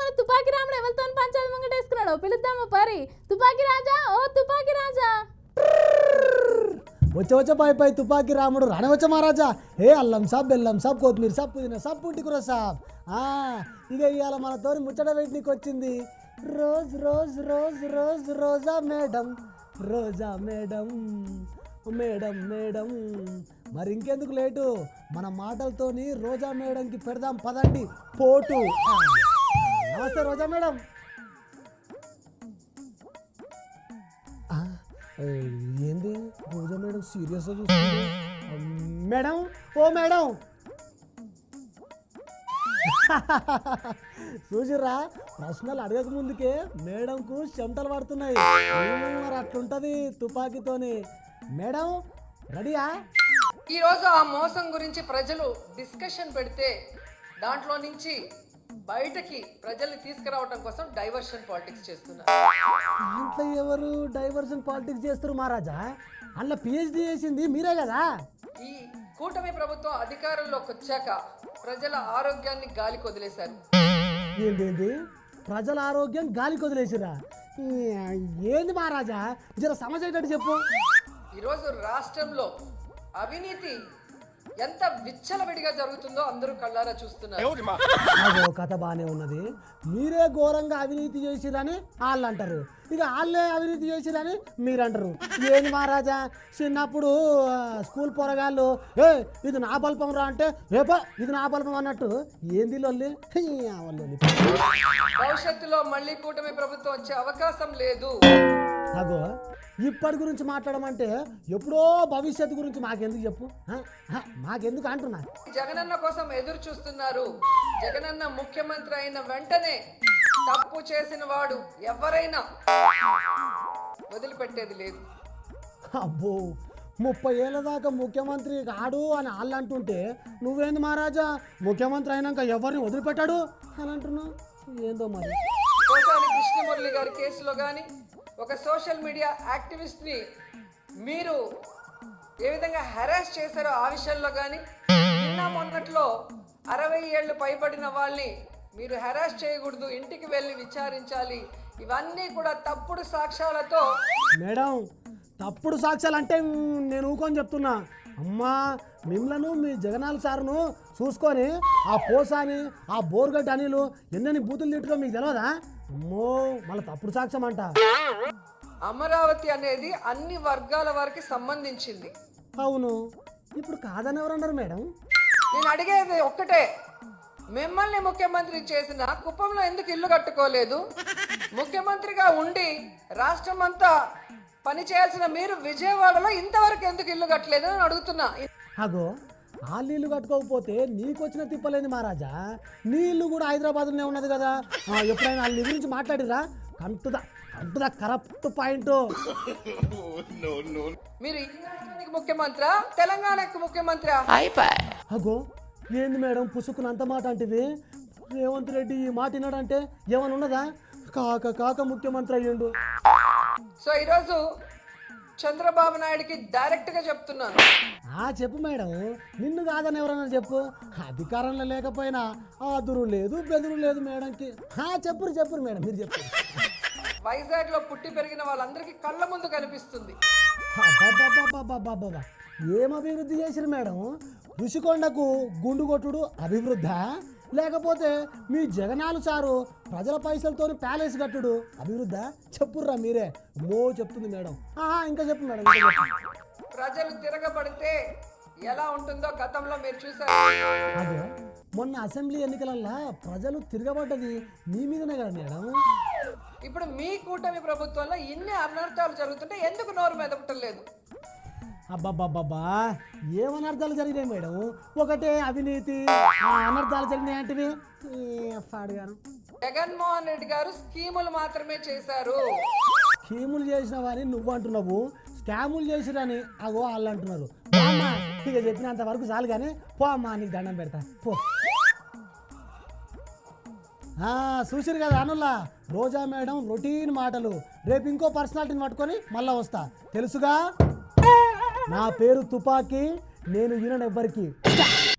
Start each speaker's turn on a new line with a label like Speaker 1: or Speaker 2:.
Speaker 1: తుపాకి రాముడు ఎవరితో పంచాయతీ ముంగటేసుకున్నాడు పిలుద్దామా పరి తుపాకి రాజా ఓ తుపాకి రాజా
Speaker 2: వచ్చే పై పై తుపాకి రాముడు రానవచ్చ మహారాజా ఏ అల్లం సాబ్ బెల్లం సాబ్ కొత్తిమీర సాబ్ పుదీనా సాబ్ పుట్టికూర సాబ్ ఇక ఇవాళ మనతోని ముచ్చట పెట్టినకి వచ్చింది రోజ్ రోజ్ రోజ్ రోజ్ Roja madam Roja madam madam madam మరి ఇంకెందుకు లేటు మన మాటలతోని రోజా మేడంకి పెడదాం పదండి పోటు నమస్తే రోజా మేడం. ఏంది రోజా మేడం సీరియస్గా చూస్తుంది మేడం ఓ మేడం చూసిర్రా ప్రశ్నలు అడగక ముందుకే మేడంకు చెమటలు పడుతున్నాయి మరి అట్లుంటది తుపాకీతోని. మేడం రెడీయా?
Speaker 3: ఈరోజు ఆ మోసం గురించి ప్రజలు డిస్కషన్ పెడితే దాంట్లో నుంచి బయటకి ప్రజల్ని తీసుకురావడం కోసం డైవర్షన్ పాలిటిక్స్ చేస్తున్నారు.
Speaker 2: దాంట్లో ఎవరు డైవర్షన్ పాలిటిక్స్ చేస్తారు మహారాజా? అందులో పిహెచ్డి చేసింది మీరే కదా.
Speaker 3: ఈ కూటమి ప్రభుత్వం అధికారంలోకి వచ్చాక ప్రజల ఆరోగ్యాన్ని గాలికి వదిలేశారు.
Speaker 2: ఏంటి ప్రజల ఆరోగ్యం గాలికి వదిలేసిరా? ఏంది మహారాజా జర సమస్య ఏంటంటే చెప్పు.
Speaker 3: ఈరోజు రాష్ట్రంలో అవినీతి ఎంత విచ్చలవిడిగా జరుగుతుందో అందరూ కళ్ళారా చూస్తున్నారు.
Speaker 2: అదో కథ బాగానే ఉన్నది. మీరే ఘోరంగా అవినీతి చేసిరని వాళ్ళు అంటారు, ఇక వాళ్ళే అవినీతి చేసిరని మీరు అంటారు. ఏంది మహారాజా చిన్నప్పుడు స్కూల్ పోరగాళ్ళు ఇది నా బల్పం రా అంటే ఏపా ఇది నా బల్పం అన్నట్టు ఏంది లొల్లి లొల్లి.
Speaker 3: భవిష్యత్తులో మళ్ళీ కూటమి ప్రభుత్వం వచ్చే అవకాశం లేదు.
Speaker 2: అగో ఇప్పటి గురించి మాట్లాడమంటే ఎప్పుడో భవిష్యత్తు గురించి మాకెందుకు చెప్పు, మాకెందుకు అంటున్నా.
Speaker 3: జగనన్న కోసం ఎదురు చూస్తున్నారు. జగనన్న ముఖ్యమంత్రి అయిన వెంటనే తప్పు చేసిన వాడు ఎవరైనా వదిలిపెట్టేది లేదు.
Speaker 2: అబ్బో 30 ఏళ్ళ దాకా ముఖ్యమంత్రి కాడు అని వాళ్ళు అంటుంటే నువ్వేంది మహారాజా ముఖ్యమంత్రి అయినాక ఎవరిని వదిలిపెట్టాడు అని అంటున్నావు. ఏందో మరి.
Speaker 3: కోసాని కృష్ణమురళి గారి కేసులో కానీ ఒక సోషల్ మీడియా యాక్టివిస్ట్ని మీరు ఏ విధంగా హెరాస్ చేశారో ఆ విషయంలో కానీ నిన్న మొన్నట్లో 60 ఏళ్ళు పైబడిన వాళ్ళని మీరు హెరాస్ చేయకూడదు, ఇంటికి వెళ్ళి విచారించాలి. ఇవన్నీ కూడా తప్పుడు సాక్ష్యాలతో.
Speaker 2: మేడం తప్పుడు సాక్ష్యాలు అంటే నేను ఊకొని చెప్తున్నా. అమ్మా మిమ్మలను మీ జగనాల సార్ను చూసుకొని ఆ పోసాని ఆ బోర్గడ్డ అనిలు ఎన్నెన్ని బూతులు తిట్టుకో మీకు తెలియదా? అమ్మో మళ్ళీ తప్పుడు సాక్ష్యం అంట.
Speaker 3: అమరావతి అనేది అన్ని వర్గాల వారికి సంబంధించింది.
Speaker 2: అవును, ఇప్పుడు కాదని ఎవరన్నారు మేడం?
Speaker 3: నేను అడిగేది ఒక్కటే, మిమ్మల్ని ముఖ్యమంత్రి చేసిన కుప్పంలో ఎందుకు ఇల్లు కట్టుకోలేదు? ముఖ్యమంత్రిగా ఉండి రాష్ట్రం అంతా పని చేయాల్సిన మీరు విజయవాడలో ఇంతవరకు ఎందుకు ఇల్లు కట్టలేదు అని అడుగుతున్నా.
Speaker 2: అగో వాళ్ళు ఇల్లు కట్టుకోకపోతే నీకు వచ్చిన తిప్పలేని మహారాజా, నీ ఇల్లు కూడా హైదరాబాద్లోనే ఉన్నది కదా. ఎప్పుడైనా వాళ్ళ గురించి మాట్లాడిరా? కంటుదా కరెక్ట్ పాయింట్.
Speaker 3: మీరు ఈ రాష్ట్రానికి ముఖ్యమంత్రి, తెలంగాణకు ముఖ్యమంత్రి.
Speaker 2: అగో ఏంది మేడం పుసుకున్నంత మాట అంటివి? రేవంత్ రెడ్డి ఈ మాట విన్నాడంటే ఏమని ఉన్నదా? కాక ముఖ్యమంత్రి అయ్యిండు.
Speaker 3: సో ఈరోజు చంద్రబాబు నాయుడికి డైరెక్ట్ గా చెప్తున్నాను.
Speaker 2: చెప్పు మేడం, నిన్ను కాదని ఎవరన్నా చెప్పు. అధికారంలో లేకపోయినా ఆదురు లేదు బెదురు లేదు మేడంకి. చెప్పురు మేడం, మీరు చెప్పు.
Speaker 3: వైజాగ్ లో పుట్టి పెరిగిన వాళ్ళందరికీ కళ్ళ ముందు కనిపిస్తుంది.
Speaker 2: ఏం అభివృద్ధి చేసిరు మేడం? ఋషికొండకు గుండు కొట్టుడు అభివృద్ధా, లేకపోతే మీ జగనాలు సారు ప్రజల పైసలతో ప్యాలెస్ కట్టుడు అభివృద్ధా? చెప్పుర్రా మీరే. చెప్తుంది మేడం. ఇంకా చెప్పు మేడం.
Speaker 3: ప్రజలు తిరగబడితే ఎలా ఉంటుందో గతంలో మీరు చూసారు.
Speaker 2: అదే మొన్న అసెంబ్లీ ఎన్నికలల్లా ప్రజలు తిరగబడ్డది మీ మీదనే కదా మేడం.
Speaker 3: ఇప్పుడు మీ కూటమి ప్రభుత్వంలో ఇన్ని అనర్థాలు జరుగుతుంటే ఎందుకు నోరు మెదపటం లేదు?
Speaker 2: అబ్బాబ్బాబ్బా ఏం అనర్థాలు జరిగినాయి మేడం? ఒకటే అవినీతి అనర్థాలు జరిగినాయి అంటివి పాడుగాను.
Speaker 3: జగన్మోహన్ రెడ్డి గారు స్కీములు మాత్రమే చేశారు.
Speaker 2: స్కీములు చేసినవని నువ్వు అంటున్నావు, స్కాములు చేసిరని అగో వాళ్ళు అంటున్నారు. ఇక చెప్పినంత వరకు చాలు కానీ పో అమ్మా, నీకు దండం పెడతా పో. చూసిరు కదా అనుల్లా రోజా మేడం రొటీన్ మాటలు. రేపు ఇంకో పర్సనాలిటీని పట్టుకొని మళ్ళా వస్తా, తెలుసుగా. నా పేరు తుపాకీ, నేను వినను ఎవ్వరికి.